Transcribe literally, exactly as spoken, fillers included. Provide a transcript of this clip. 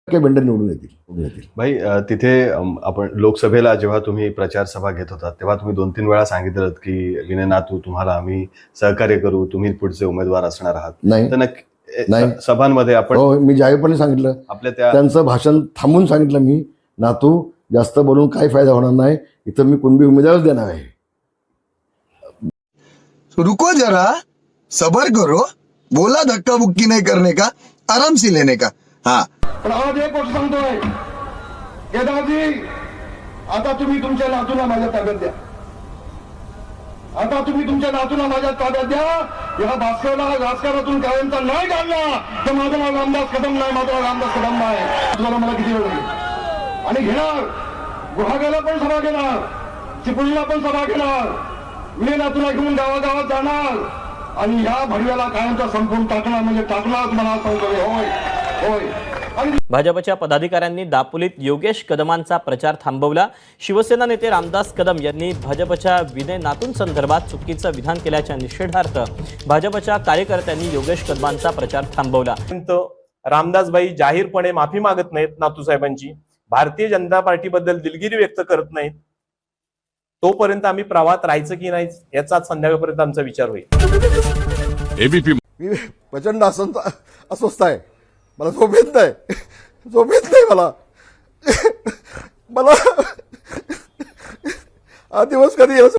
Vendor निवडून येतील निवडून येतील भाई अ, तिथे अम, आपण लोकसभेला जेव्हा तुम्ही प्रचार सभा घेत होता तेव्हा तुम्ही दोन तीन वेळा सांगितलं की विनय नातू तुम्हाला आम्ही सहकार्य करू, तुम्ही पुढचे उमेदवार असणार आहात. नाही तर नक्की ए, नाही. स- सभांमध्ये आपण हो मी जाहीरपणे सांगितलं, आपल्या त्या त्यांचं भाषण थांबून सांगितलं मी, नातू जास्त बोलून काही फायदा होणार नाही, इथं मी कुणबी उमेदवारच देणार आहे. रुको जरा, सबर करो, बोला धक्का बुक्की नहीं करने का, आराम से लेने का. हाँ पण आज एक गोष्ट सांगतोय, केदारजी आता तुम्ही तुमच्या नातूला माझ्या ताब्यात द्या. आता तुम्ही तुमच्या नातूला माझ्या ताब्यात द्या. या भास्करला राजकारणातून कायमचा नाही काढला तर माझं नाव रामदास कदम नाही, माझं नाव रामदास कदम नाही. तुम्हाला मला किती वेळ लागेल आणि घेणार. गुहागरला पण सभा घेणार, चिपळूणला पण सभा घेणार, विनय नातूला घेऊन गावागावात जाणार आणि या भडव्याला कायमचा संपून टाकणार म्हणजे टाकणार. मला सांगतोय होय होय. आणि भाजपच्या पदाधिकाऱ्यांनी दापोलीत योगेश कदमांचा प्रचार थांबवला. शिवसेना नेते रामदास कदम यांनी भाजपच्या विनय नातूंसंदर्भात चुकीचं विधान केल्याच्या निषेधार्थ भाजपच्या कार्यकर्त्यांनी योगेश कदमांचा प्रचार थांबवला. रामदासबाई जाहीरपणे माफी मागत नाहीत नातूसाहेबांची, भारतीय जनता पार्टीबद्दल दिलगिरी व्यक्त करत नाहीत, तोपर्यंत आम्ही प्रवाहात राहायचं की नाही याचाच संध्याकाळपर्यंत आमचा विचार होईल. एबीपी मी प्रचंड असं अस्वस्थ आहे, मला झोप येत नाही, झोप येत नाही मला मला हा दिवस कधी येईल